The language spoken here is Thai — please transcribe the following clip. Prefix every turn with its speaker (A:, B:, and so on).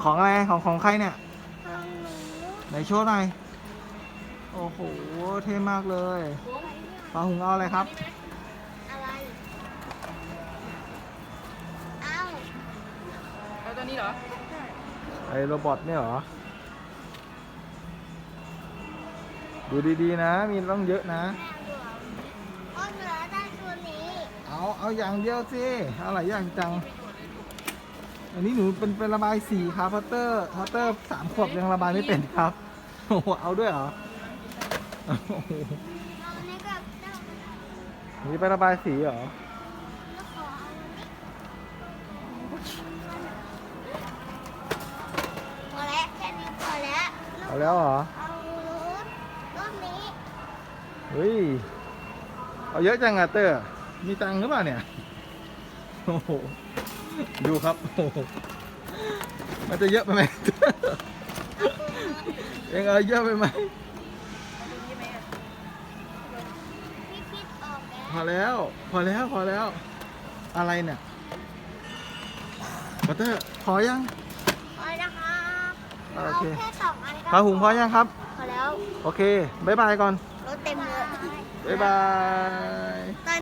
A: ของอะไรของใครเนี่ย
B: ของหนู
A: ไหนโชว์หน่อยโอ้โหเท่มากเลยปลาหุงเอาอะไรครับ
B: อะไรเอ้า
C: เอาตัวนี้เหรอ
A: ไอ้โรบอทเนี่ยเหรอดูดีๆนะมีต้องเยอะนะ
B: อ้นเหลือได้ตัวนี้
A: เอาอย่างเดียวสิเอาหลายอย่างจัง อันนี้หนูเป็นระบายสีครับพัตเตอร์3 ขวบยังระบายไม่เป็นครับโอ้โหเอาด้วยเหรอโอ้โห
B: เอาอันนี้ก็ได้
A: นี่ไประบายสีเหรอ
B: แล้วขอเอาอันนี้พอแล้วแค่นี้พอแล้ว
A: เอาแล้วเหรอ
B: เอารถนี้
A: เฮ้ยเอาเยอะจังอะเตอร์มีตังค์หรือเปล่าเนี่ยโอ้โหดูครับโอ้โหมันจะเยอะไปไหม เองเอาเยอะไปไหม
B: พี่คิดออกแล้ว
A: พอแล้วอะไรเนี่ยพัตเตอร์พอยัง
B: พอแล้วครับ
A: โอ
B: เอา
A: เค
B: แค่2 อันก็
A: ปลาหุงพอยังครับ
B: พอแล้ว
A: โอเคบ๊ายบายก่อน
B: รถเต็มเลย
A: บ๊ายบาย